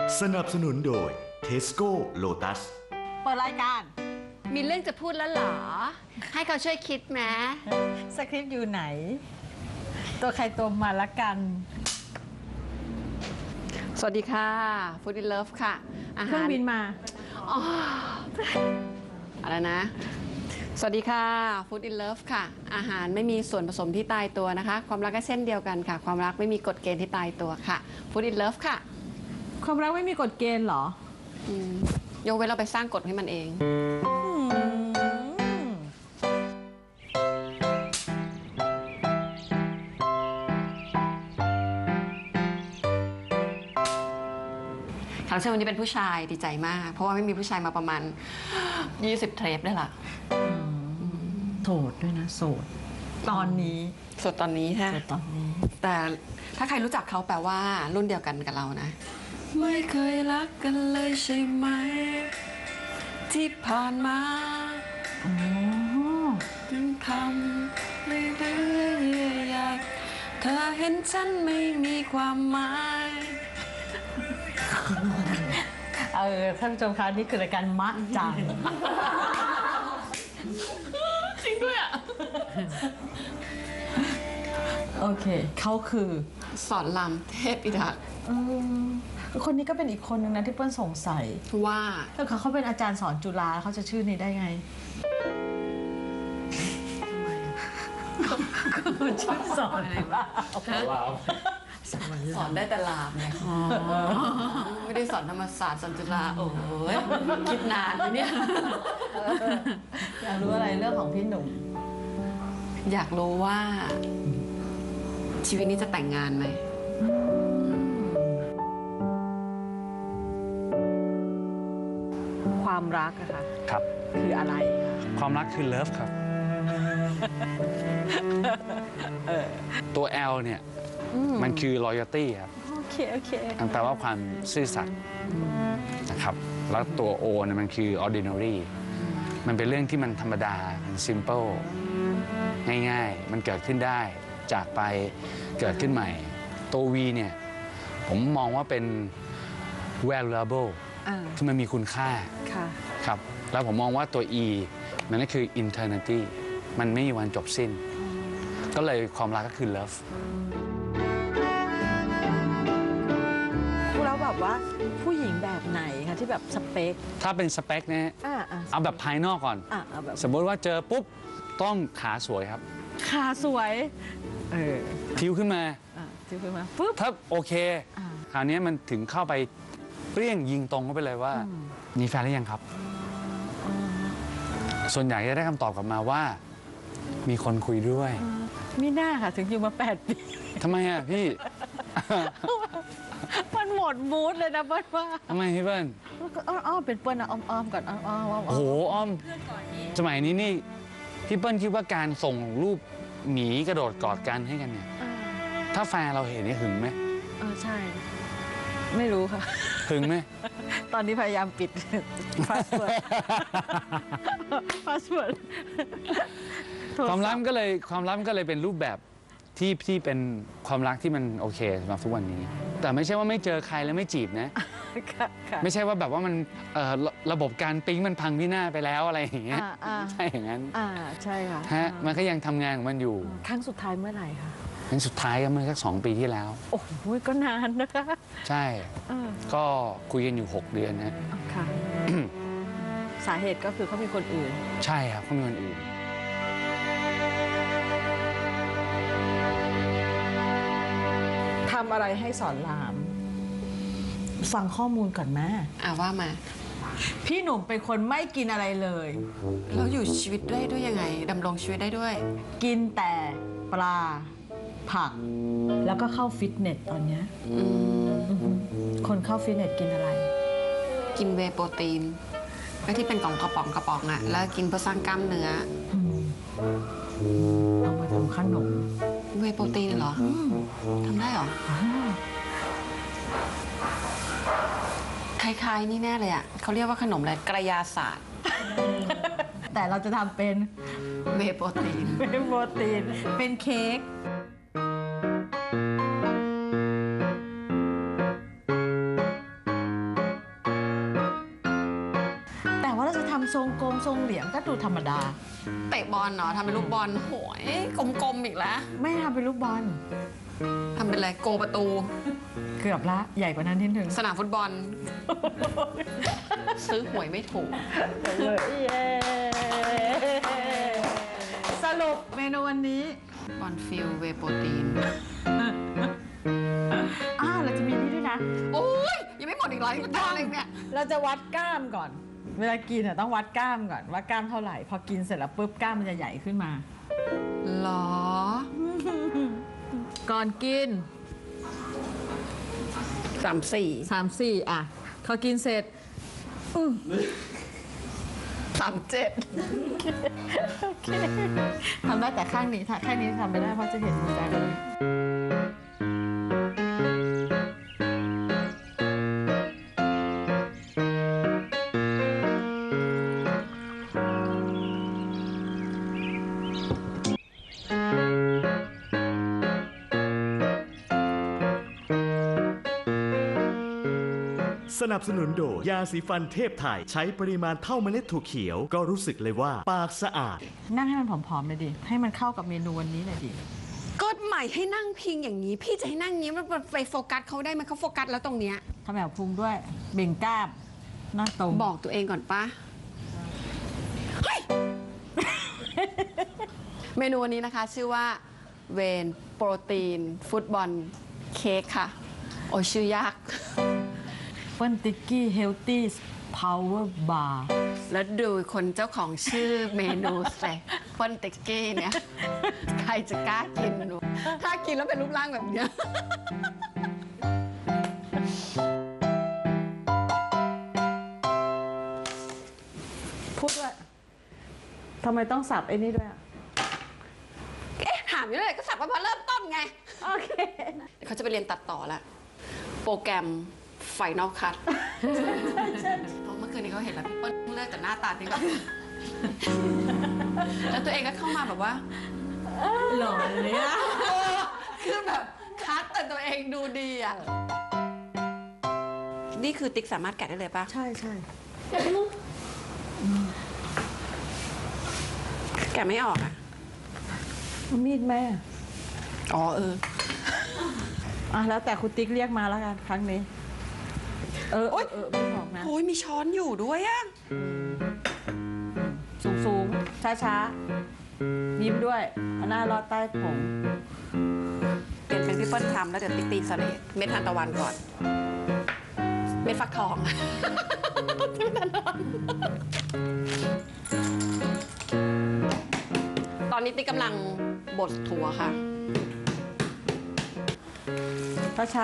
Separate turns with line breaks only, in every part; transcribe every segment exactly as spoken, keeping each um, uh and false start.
สนับสนุนโดย Tesco Lotus
เปิดรายการ
มีเรื่องจะพูดแล้วเหรอให้เขาช่วยคิดไหม
สคริปต์อยู่ไหนตัวใครตัวมาละกัน
สวัสดีค่ะ Food in Love ค่ะอาหาร
เครื่องบินมา
อ๋ออะไรนะสวัสดีค่ะ Food in Love ค่ะอาหารไม่มีส่วนผสมที่ตายตัวนะคะความรักก็เช่นเดียวกันค่ะความรักไม่มีกฎเกณฑ์ที่ตายตัวค่ะ Food in Love ค่ะ
ความรักไม่มีกฎเกณฑ์เหรอ
อืมยกเว้นเราไปสร้างกฎให้มันเองแขกรับเชิญวันนี้เป็นผู้ชายดีใจมากเพราะว่าไม่มีผู้ชายมาประมาณยี่สิบเทปได้ละ
โสดด้วยนะโสดตอนนี้
โสดตอนนี้ใช่
โสดตอนนี้
แต่ถ้าใครรู้จักเขาแปลว่ารุ่นเดียวกันกับเรานะไม่เคยรักกันเลยใช่ไหมที่ผ่านมาถึงทำไม่เรื่อยๆอยากเธอเห็นฉันไม่มีความหมาย
เออท่านผู้ชมคะนี่คือรายการมะจัง
จริงด้วยอ่ะ
โอเคเขาคือ
สอนรามเทพอิทักษ์
คนนี้ก็เป็นอีกคนนึงนะที่เปิ้ลสงสัย
ว่า
ถ้าเขาเขาเป็นอาจารย์สอนจุฬาเขาจะชื่อนี้ได้ไงคือชื่อสอนอะไรวะ
สอนได้แต่ลามไงไม่ได้สอนธรรมศาสตร์สอนจุฬาโอ้ยคิดนานเลยเนี่ย
อยากรู้อะไรเรื่องของพี่หนุ่ม
อยากรู้ว่าชีวิตนี้จะแต่งงานไหม
ความรักอะค่ะ
ครับ
คืออะไร
ความรักคือเลิฟครับตัว L เนี่ยมันคือ loyalty ครับ
โอเคโอเค
มันแปลว่าความซื่อสัตย์นะครับแล้วตัว O เนี่ยมันคือ ordinary มันเป็นเรื่องที่มันธรรมดามัน simple ง่ายๆมันเกิดขึ้นได้จากไปเกิดขึ้นใหม่ตัว V เนี่ยผมมองว่าเป็น valuable ที่มันมีคุณค่าครับแล้วผมมองว่าตัว E มันก็คือ eternity มันไม่มีวันจบสิ้นก็เลยความรักก็คือ love
แล้วแบบว่าผู้หญิงแบบไหนคะที่แบบสเปค
ถ้าเป็นสเปคนะเอาแบบภายนอกก่อนสมมติว่าเจอปุ๊บต้องขาสวยครับ
ขาสวยเออ
คิ้วขึ้นมา
คิ้วขึ้นมาปุ๊บ
ถ้าโอเคคราวนี้มันถึงเข้าไปเปรี้ยงยิงตรงเข้าไปเลยว่ามีแฟนหรือยังครับส่วนใหญ่จะได้คำตอบกลับมาว่ามีคนคุยด้วย
ไม่น่าค่ะถึงอยู่มาแปดปี
ทำไมอ่ะพี่
มันหมดมูดเลยนะเปิ้ลว่า
ทำไมพี่เปิ้ล
อ้อมเป็นเปิ้ลนะอ้อมๆก่อนอ้อมๆ
โอ้โหอ้อมสมัยนี้นี่พี่เปิ้ลคิดว่าการส่งรูปหมีกระโดดกอดกันให้กันเนี่ยถ้าแฟนเราเห็นนี่หึงไหม
เออใช่ไม่รู้ค่ะ
หึงไหม
ตอนนี้พยายามปิดพาสเวิร์ดพาสเวิร์ด
ความรักก็เลยความรักก็เลยเป็นรูปแบบที่ที่เป็นความรักที่มันโอเคสำหรับทุกวันนี้แต่ไม่ใช่ว่าไม่เจอใครแล้วไม่จีบนะไม่ใช่ว่าแบบว่ามันระบบการปิ๊งมันพังพินาศไปแล้วอะไรอย่างเงี้ยใช่อย่างนั้น
อ่าใช่ค่ะ
ฮะมันก็ยังทำงานของมันอยู่
ครั้งสุดท้ายเมื่อไหร่คะ
ครั้งสุดท้ายก็เมื่อสักสองปีที่แล้ว
โอ้โหก็นานนะคะ
ใช่ก็คุยกันอยู่หกเดือนนะ
ค่ะสาเหตุก็คือเขามีคนอื่น
ใช่ครับเขามีคนอื่น
ทำอะไรให้สอนรามฟังข้อมูลก่อนแม่
อ่าว่ามา
พี่หนุ่มเป็นคนไม่กินอะไรเลย
แล้วอยู่ชีวิตได้ด้วยยังไงดำรงชีวิตได้ด้วย
กินแต่ปลาผักแล้วก็เข้าฟิตเนสตอนนี้คนเข้าฟิตเนสกินอะไร
กินเวย์โปรตีนก็ที่เป็นกล่องกระป๋องกระป๋องอ่ะแล้วกินเพื่อสร้างกล้ามเนื้อ
เอามาทำขนม
เวย์โปรตีนเหรอทำได้เหรอคล้ายๆนี่แน่เลยอ่ะเขาเรียกว่าขนมอะไรกระยาศาสตร์
แต่เราจะทำเป็น
เวย์โปรตีน
เวย์โปรตีนเป็นเค้ก
ค
ทรงกงทรงเหลียงก็ดูธรรมดา
เตะบอลเนาะทำเป็นลูกบอลโหยกลมๆอีกแล้ว
ไม่ทำเป็นลูกบอล
ทำเป็นอะไรโกประตู
เกือบละใหญ่กว่านั้นนิดนึง
สนามฟุตบอล ซื้อหวยไม่ถูก
สรุปเมนูวันนี้
บอลฟิลเวโปรตีน
อ้าวเราจะมีนี่ด้วยนะ
โอ้ยยังไม่หมดอีกเหรอที่มันทำอะไรเนี่ย
เราจะวัดกล้ามก่อน เวลากินอ่ะต้องวัดกล้ามก่อนว่ากล้ามเท่าไหร่ พอกินเสร็จแล้วปุ๊บกล้ามมันจะใหญ่ขึ้นมา
หรอ
ก่อนกิน
สามสี่
สามสี่อ่ะพอกินเสร็จ
สามเจ็ด
โอเคทำได้แต่ข้างนี้ถ้าข้างนี้ทำไม่ได้เพราะจะเห็นมือได้เลย
สนับสนุนโดยยาสีฟันเทพไทยใช้ปริมาณเท่าเมล็ดถั่วเขียวก็รู้สึกเลยว่าปากสะอาด
นั่งให้มันผอมๆเลยดิ ให้มันเข้ากับเมนูวันนี้หน่อยดิ
ก็ใหม่ให้นั่งพิงอย่างนี้ พี่จะให้นั่งอย่างนี้มันไปโฟกัสเขาได้ไหมเขาโฟกัสแล้วตรงเนี้ย
ทำแบบพุงด้วย เบ่งกล้ามหน้าตรง
บอกตัวเองก่อนปะเฮ้ย เมนูวันนี้นะคะ ชื่อว่าเวนโปรตีนฟุตบอลเค้กค่ะ โอ้ยชื่อยาก
เปิ้ลติ๊กกี้เฮลตี้พาวเวอร์บาร์
แล้วดูคนเจ้าของชื่อเมนูใส่ฟอนติกกี้เนี่ย ใครจะกล้ากินหนูถ้ากินแล้วเป็นรูปร่างแบบเนี้ย
พูดด้วยทำไมต้องสับไอ้นี่ด้วยอ่ะ
เอ๊ะถามอยู่เลยก็สับมาพอเริ่มต้นไง
โอเค
เขาจะไปเรียนตัดต่อแล้ว โปรแกรมไฟนอลคัทเมื่อคืนนี้เขาเห็นแล้วพี่เปิ้ลเลือกแต่หน้าตาดีกว่า แล้วตัวเองก็เข้ามาแบบว่า
หล่อเลยอ่ะ
คือแบบคัดแต่ตัวเองดูดีอ่ะ นี่คือติ๊กสามารถแกะได้เลยปะ
ใช่ใช่
แกะไม่ออกอ่ะ
เอามีดแม่
อ๋อเออ
อ่ะแล้วแต่คุณติ๊กเรียกมาแล้วกันครั้งนี้ เออเออเออไม่บอกนะ
โอ้ยมีช้อนอยู่ด้วยอ่ะ
สูงสูงช้าช้าๆ ยิ้มด้วยเอาหน้าลอดใต้ผม
เปลี่ยนเป็นพี่เปิ้ลทำแล้วเดี๋ยวติ๊กตีสเลดเม็ดทานตะวันก่อน เม็ดฟักทอง เม็ดทานตะวันตอนนี้ติ๊กกำลังบดถั่วค่ะ
ช้าช้าง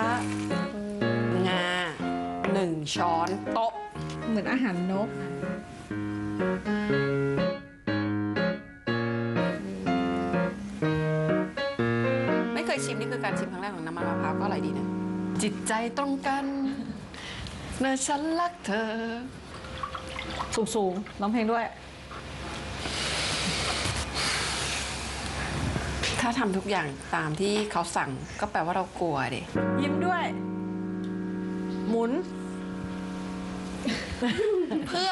าหนึ่งช้อนโต๊ะ
ๆ เหมือนอาหารนก
ไม่เคยชิมนี่คือการชิมครั้งแรกของน้ำมันมะพร้าวก็อร่อยดีนะ จิตใจตรงกันเมื่อฉันรักเธอ
สูงสูงๆร้องเพลงด้วย
ถ้าทำทุกอย่างตามที่เขาสั่งก็แปลว่าเรากลัวดิ
ยิ้มด้วย หมุน
เพื่อ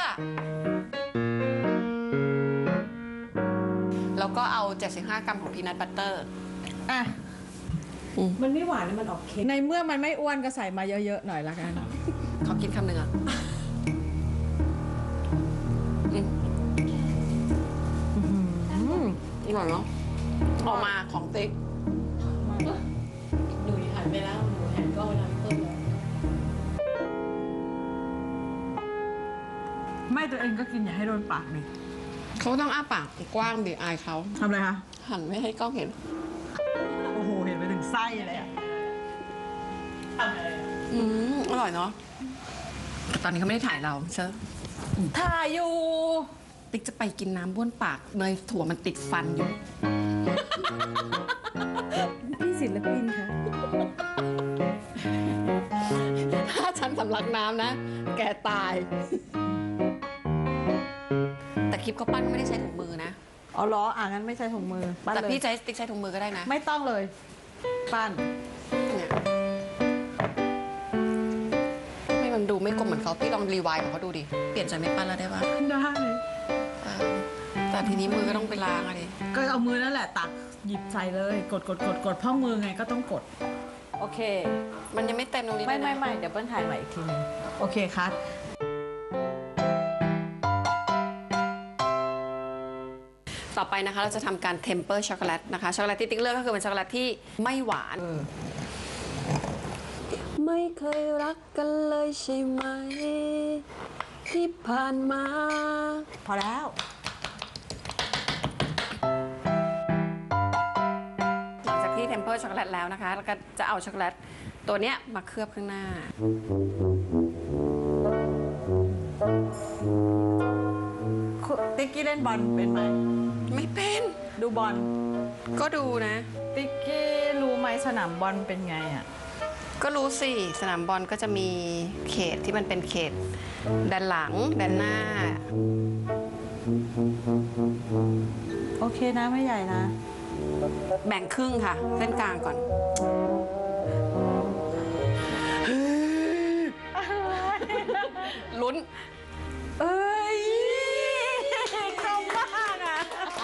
แล้วก็เอา เจ็ดสิบห้ากรัมของพีนัทบัตเตอร์
อ่ะ
มันไม่หวานนะมันออกเค็ม
ในเมื่อมันไม่อ้วนก็ใส่มาเยอะๆหน่อยละกัน
เขากินคำหนึ่งอ่ะอืมอร่อยเนาะออกมาของติ๊ก
หนูหันไปแล้ว หนูหันกล้องไปทางเพิ่มแล้ว
ไม่ตัวเองก็กินอย่าให้โดนปากเลย
เขาต้องอ้าปากกว้างดิอายเขา
ทำอะไรคะ
หันไม่ให้กล้องเห็น
โอ้โห เห็นไปถึงไส้เลยอ่ะ
อืมอร่อยเนาะตอนนี้เขาไม่ได้ถ่ายเราเชอะ
ถ่ายอยู่
ติ๊กจะไปกินน้ำบ้วนปากเนยถั่วมันติดฟันอยู่
พี่ศิลปินค่ะ
ถ้าฉันสำลักน้ำนะ แกตาย แต่คลิปเขาปั้นก็ไม่ได้ใช้ถุงมือนะ
เอาล้ออ่างั้นไม่ใช่ถุงมือปั้น
แต่
เลย
พี่ใช้ติ๊กใช้ถุงมือก็ได้นะ
ไม่ต้องเลย ปั้น
เนี่ยทำไมมันดูไม่กลมเหมือนเขาพี่ลองรีไวล์ของเขาดูดิเปลี่ยนใจไม่ปั้นแล้วได้ปะ
ได้
เออแต่ทีนี้มือก็ต้องไปล้างอะดิ
ก็เอามือนั่นแหละตักหยิบใส่เลย กดกดกดกดเพราะมือไงก็ต้องกด โอเค
มันยังไม่เต็มตรงนี้
ไม่
เลยนะ
ไม่ไม่เดี๋ยวเปิ้ลถ่ายใหม่อีกทีหนึงโอเคคัท
ต่อไปนะคะเราจะทำการเทมเปอร์ช็อกโกแลตนะคะช็อกโกแลตที่ติ๊กเลือกก็คือเป็นช็อกโกแลตที่ไม่หวาน ไม่เคยรักกันเลยใช่ไหมที่ผ่านมา
พอแล้ว
หลังจากที่เทมเปอร์ช็อกโกแลตแล้วนะคะแล้วก็จะเอาช็อกโกแลตตัวเนี้ยมาเคลือบข้างหน้า
ติ๊กกี้เล่นบอลเป็นไหม
ไม่เป็น
ดูบอล
ก็ดูนะ
ติ๊กกี้รู้ไหมสนามบอลเป็นไงอ่ะ
ก็รู้สิสนามบอลก็จะมีเขตที่มันเป็นเขตด้านหลังด้านหน้า
โอเคนะไม่ใหญ่นะ
แบ่งครึ่งค่ะเส้นกลางก่อน ลุ้น
เอ้ยคมมากอ่ะ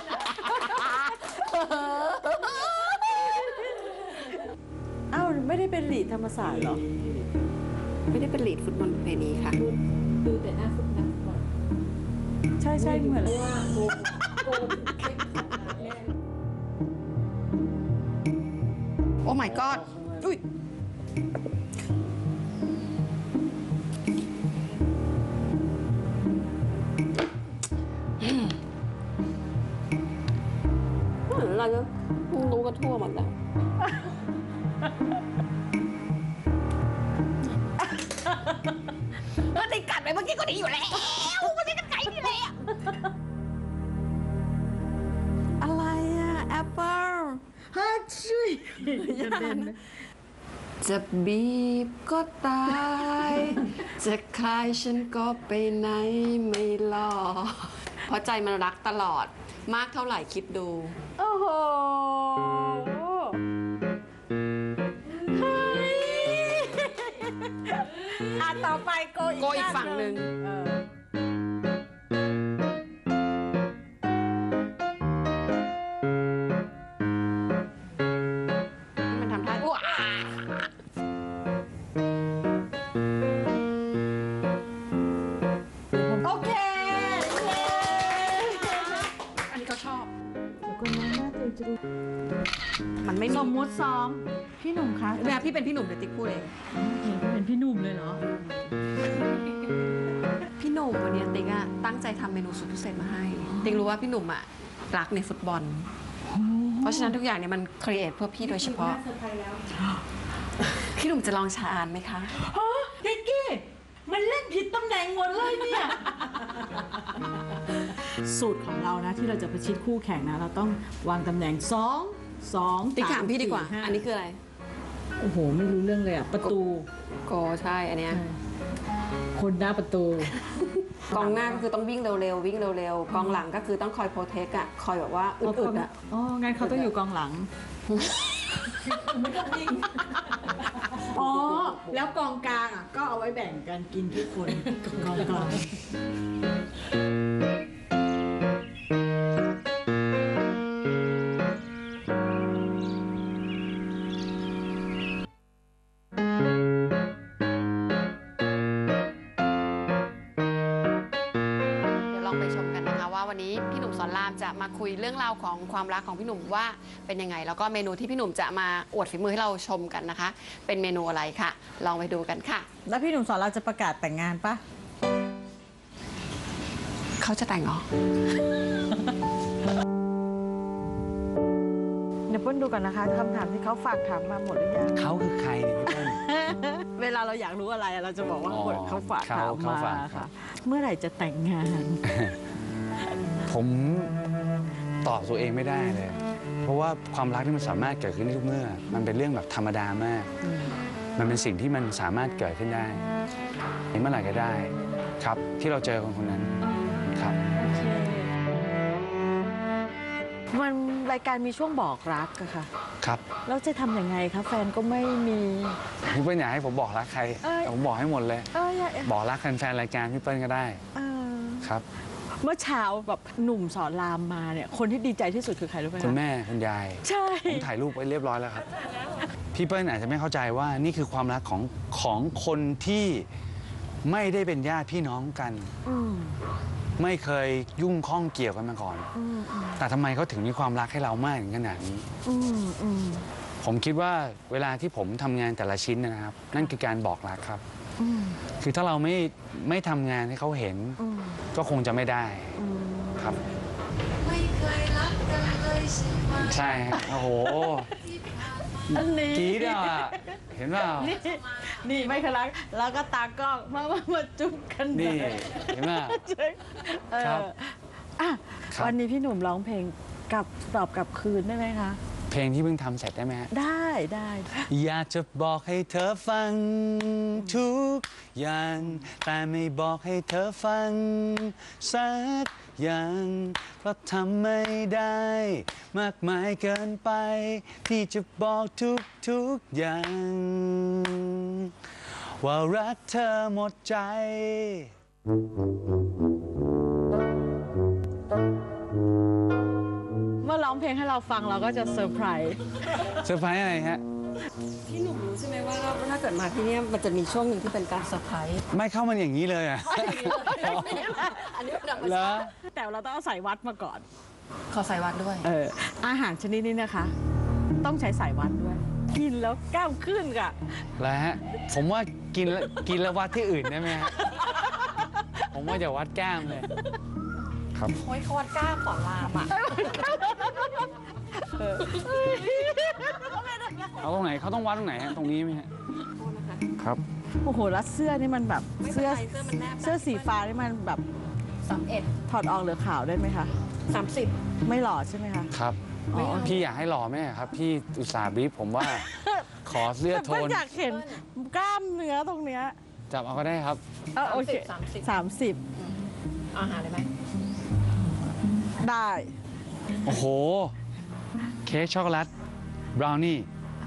เอ้าไม่ได้เป็นลีดธรรมศาสตร์เหรอ
ไม่ได้เป็นลีดฟุตบอลประเพณีค่ะ
ดูแต่หน้าฟุตนักฟุตบอล
ใช่ใช่เหมือน
ว่าโกงโกงเช็คสัปดาห์แรก
โอ้ my god อุ้ยอะไรก็รู้กันทั่วหมดแล้ว ก็ติดกัดไปเมื่อกี้ก็ดีอยู่แล้วมันติดกัดไก่นี่เลยอะอะไรอะแอปเปิล
ฮัทช่วยจะเป็น
จะบีบก็ตาย จะคลายฉันก็ไปไหนไม่รอดเพราะใจมันรักตลอดมากเท่าไหร่คิดดู
โอ้โหเฮ้ยอ่ะต่อไปโกอีก
โกอีกฝั่งหนึ่ง
เออ
มันทำท่าว้า
โอเค
อันนี้เขาชอบ
เดี๋ยวคนนั้นน่าจะจะดู
มันไม่
สมมุติซ้อม พี่หนุ่มคะ
เนี่ยพี่เป็นพี่หนุ่มเดี๋ยวติ๊กพูดเอง
เป็นพี่หนุ่มเลยเหรอ
พี่หนุ่มวันนี้ติ๊กอะตั้งใจทำเมนูสุดพิเศษมาให้ ติ๊กรู้ว่าพี่หนุ่มอะรักในฟุตบอล เพราะฉะนั้นทุกอย่างเนี่ยมันครีเอทเพื่อพี่โดยเฉพาะ
เซอร์ไพรส์แล้ว
พี่หนุ่มจะลองชาอ่านไหมคะ
ฮะดิกกี้ มันเล่นผิดตำแหน่งหมดเลยเนี่ย สูตรของเรานะที่เราจะประชิดคู่แข่งนะ เราต้องวางตำแหน่งสองสอง
ติ๊กถามพี่ดีกว่า
สี่ห้
อันนี้คืออะไร
โอ้โห ไม่รู้เรื่องเลยอ่ะ ประตู
โกใช่อันเนี้ย
คนหน้าประตู
กองหน้าก็คือต้องวิ่งเร็วๆวิ่งเร็วๆกองหลังก็คือต้องคอยโปรเทคอะคอยแบบว่าอึดๆอะ
อ๋อ งั้นเขาต้องอยู่กองหลัง อ๋อ แล้วกองกลางอ่ะ ก็เอาไว้แบ่งกันกินทุกคนกองกลาง
เดี๋ยวลองไปชมกันนะคะว่าวันนี้พี่หนุ่มสอนรามจะมาคุยเรื่องราวของความรักของพี่หนุ่มว่าเป็นยังไง แล้วก็เมนูที่พี่หนุ่มจะมาอวดฝีมือให้เราชมกันนะคะ เป็นเมนูอะไรค่ะ ลองไปดูกันค่ะ
แล้วพี่หนุ่มสอนเราจะประกาศแต่งงานปะ
เขาจะแต่งเหรอ
เดี๋ยวเปิ้ลดูก่อนนะคะคำถามที่เขาฝากถามมาหมดหรือยัง
เขาคือใครเนี่ยพี่เปิ้ล
เวลาเราอยากรู้อะไรเราจะบอกว่า
อ๋อ
เขาฝากถาม
เขา
มา
เขาฝากครั
ค่ะ
บ
เมื่อไหร่จะแต่งงาน
ผมตอบตัวเองไม่ได้เลย เพราะว่าความรักที่มันสามารถเกิดขึ้นได้ทุกเมื่อ มันเป็นเรื่องแบบธรรมดามาก มันเป็นสิ่งที่มันสามารถเกิดขึ้นได้เมื่อไหร่ก็ได้ครับ ที่เราเจอคนคนนั้นครับ
มันรายการมีช่วงบอกรักอะค่ะ
ครับ
แล้วจะทำยังไงคะแฟนก็ไม่มี
พี่เปิ้ลอยากให้ผมบอกรักใคร
เอ้ย
แต่ผมบอกให้หมดเลย
เอออย่า
บอกรักแฟนๆรายการพี่เปิ้ลก็ได้
เออ
ครับ
เมื่อเช้าแบบหนุ่มสอนรามมาเนี่ยคนที่ดีใจที่สุดคือใครรู้ไหมะ
คุณแม่คุณยาย
ใช่
ผมถ่ายรูปไว้เรียบร้อยแล้วครับ พี่เปิ้ลอาจจะไม่เข้าใจว่านี่คือความรักของของคนที่ไม่ได้เป็นญาติพี่น้องกัน
อืม
ไม่เคยยุ่งข้องเกี่ยวกันมาก่อน
อืมอืม
แต่ทำไมเขาถึงมีความรักให้เรามากถึงขนาดนี้
อืมอืม
ผมคิดว่าเวลาที่ผมทำงานแต่ละชิ้นนะครับ นั่นคือการบอกรักครับ
อืม
คือถ้าเราไม่ไม่ทำงานให้เขาเห็น
อืม
ก็คงจะไม่ได้
อืม
ครับ
ไม่เคยรักกันเลยใช่ไหม
ใช่ครับโอ้โห
อันนี้
กรี๊ดอ่ะเห็นเปล่า
นี่นี่ไม่เคยรักแล้วก็ตากล้องมามามาจุ๊บกัน
นี่
เลย
เห็นเปล่า
เออ
ครับ
อ่ะ
ครับ
วันนี้พี่หนุ่มร้องเพลงกลับตอบกลับคืนได้ไหมคะ
เพลงที่เพิ่งทำเสร็จได้ไหมฮะ
ได้ได้
อยากจะบอกให้เธอฟังทุกอย่าง แต่ไม่บอกให้เธอฟังสักอย่าง เพราะทำไม่ได้ มากมายเกินไป ที่จะบอกทุกทุกอย่าง ว่ารักเธอหมดใจ
เมื่อร้องเพลงให้เราฟังเราก็จะเซอร์ไพรส์
เซอร์ไพรส์อะไรฮะ
พี่หนุ่มรู้ใช่ไหมว่าถ้าเกิดมาที่นี่มันจะมีช่วงหนึ่งที่เป็นการเซอร์ไพรส์
ไม่เข้ามันอย่างนี้เลยอ่ะ
อันนี้เป็นธรรม
แล้
ชาว ติ
แต่เราต้องเอาสายวัดมาก่อน
ขอใส่วัดด้วย
เอออาหารชนิดนี้นะคะ ต้องใช้สายวัดด้วย กินแล้วกล้ามขึ้นค่ะ
แล้วฮะ ผมว่ากินแล้วกินแล้ววัดที่อื่นได้ไหมฮะ ผมว่าจะวัดแก้มเลย ครับ
โอ้ยเขาวัดกล้าขอลามอ่ะ
เอาตรงไหนเขาต้องวัดตรงไหนฮะ ตรงนี้ไหมฮะ ครับ
โอ้โหแล้วเสื้อนี่มันแบบ
ไม่เป็น
เสื้อ
ไรเสื้อมันแนบ
เสื้อสีฟ้านี่มันแบบ
สามเอ็ด
ถอดออกเหลือขาวได้ไหมคะ
สามสิบ
ไม่หล่อใช่ไหมคะ
ครับ
อ๋อ
พี่อยากให้หล่อไหมครับ พี่อุตส่าห์บรีฟผมว่า ขอเสื้อ
แต่
โท
ก็
น
อยากเห็นกล้ามเนื้อตรงเนี้ย
จับเอาก็ได้ครับ
เออโอเค
สามสิบ
สามสิบ
อาหารได้ไหม
ได้
โอ้โห เค้กช็อกโกแลต บราวนี่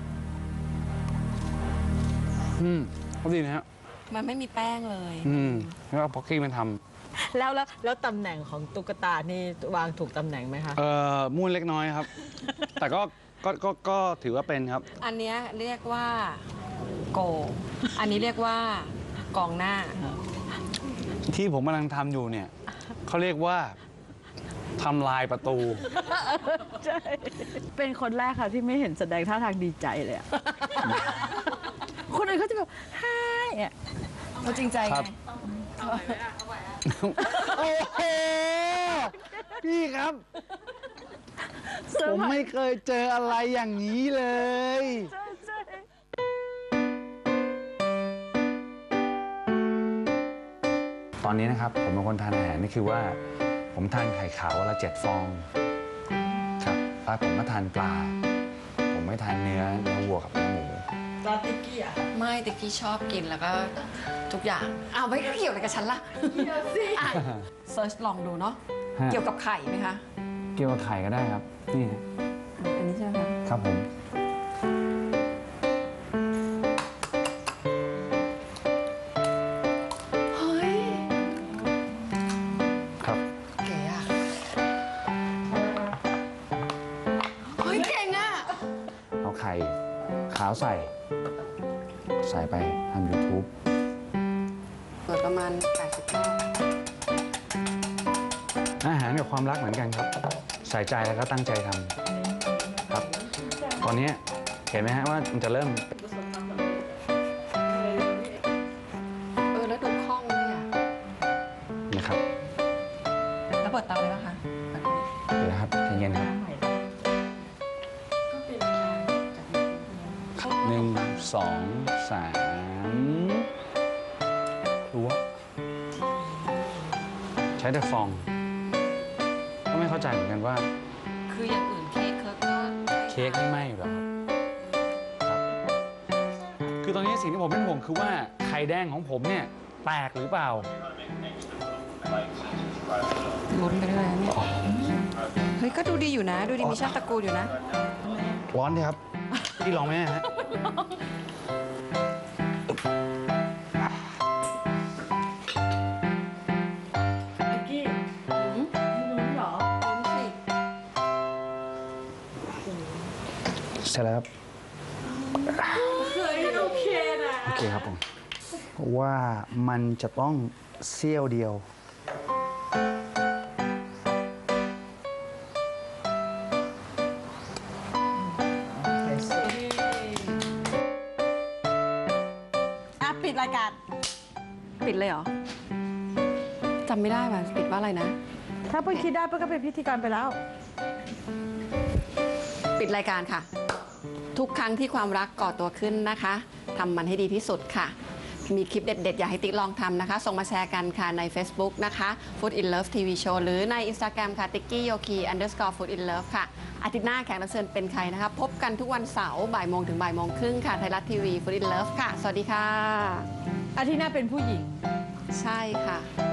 อืมเขาดีนะฮะ
มันไม่มีแป้งเลย
อืม แล้วเอาพ็อกกี้มันท
แล้วแล้วแล้วตำแหน่งของตุ๊กตานี่วางถูกตำแหน่งไหมคะ
ำเอ่อมุ่นเล็กน้อยครับ แต่ก็ก็ก็ก็ถือว่าเป็นครับ
อันเนี้ยเรียกว่าโก อันนี้เรียกว่ากองหน้า
ที่ผมกำลังทำอยู่เนี่ย เขาเรียกว่าทำลายประตู
ใช่ เป็นคนแรกค่ะที่ไม่เห็นแสดงท่าทางดีใจเลยอะ คนอื่นเขาจะแบบฮ่ายอะ
เขาจริงใจ
ครั
ไง
บ โอ้โห พี่ครับ ผมไม่เคยเจออะไรอย่างนี้เลย
ใช่ใช่
ตอนนี้นะครับ ผมเป็นคนทานอาหารนี่คือว่า ผมทานไข่ขาววันละเจ็ดฟอง ครับแล้วผมก็ทานปลา ผมไม่ทานเนื้อเนื้อวัวกับเนื้อหมู
ลาติกี้อะ
ไม่แต่กี้ชอบกินแล้วก็ทุกอย่างอ้าวไม่เกี่ยวอะไรกับฉันล่ะเกี่ยวสิเซิร์ชลองดูเนาะ
ฮะ
เกี่ยวกับไข่ไหมคะ
เกี่ยวกับไข่ก็ได้ครับ นี่ฮะ
อันนี้ใช่ไหมคะ
ครับผม
เฮ้ย
ครับ
เก๋อะเฮ้ยเก่งอะ
เอาไข่ขาวใส่ ใส่ไปทำ YouTube
เปิดประมาณแปดสิบรอบ
อาหารกับความรักเหมือนกันครับ ใส่ใจแล้วก็ตั้งใจทำครับ ตอนนี้เห็นไหมฮะว่ามันจะเริ่ม
เออแล้วดูคล่องเลยอะ
นะครับ
แล้วเปิดเตาเลยปะคะเปิดเลย
เดี๋ยวนะครับใจเย็นครับหนึ่งสองสามรั้วใช้แต่ฟอง ก็ไม่เข้าใจเหมือนกันว่า
คืออย่างอื่นเค้กเคิร์กก็
เค้กไม่ไหม้หรอครับครับ คือตอนนี้สิ่งที่ผมเป็นห่วงคือว่าไข่แดงของผมเนี่ยแตกหรือเปล่า
ลุ้นไปเรื่อยๆเนี่ยเฮ้ยก็ก็ดูดีอยู่นะ ดูดีมีชาติตระกูลอยู่นะ
ร้อนดีครับ พี่ลองไหมฮะ
นิกกี้ลุ้นเหรอ
เสร็จแล้วครับ
เคยโอเคนะ
โอเคครับผมว่ามันจะต้องเสี้ยวเดียว
อ่ะปิดรายการ
ปิดเลยเหรอจำไม่ได้ว่ะปิดว่าอะไรนะ
ถ้าเพิ่งคิดได้เพิ่งก็เป็นพิธีกรไปแล้ว
ปิดรายการค่ะ ทุกครั้งที่ความรักก่อตัวขึ้นนะคะทำมันให้ดีที่สุดค่ะ มีคลิปเด็ดๆ อยากให้ติ๊กลองทำนะคะ ส่งมาแชร์กันค่ะใน Facebook นะคะ Food in Love ที วี Show หรือใน Instagram ค่ะ tikki yoki underscore food in love ค่ะ อาทิตย์หน้าแขกรับเชิญเป็นใครนะคะ พบกันทุกวันเสาร์บ่ายโมงถึงบ่ายโมงครึ่งค่ะ ไทยรัฐทีวี Food in Love ค่ะ สวัสดีค่ะ
อาทิตย์หน้าเป็นผู้หญิง
ใช่ค่ะ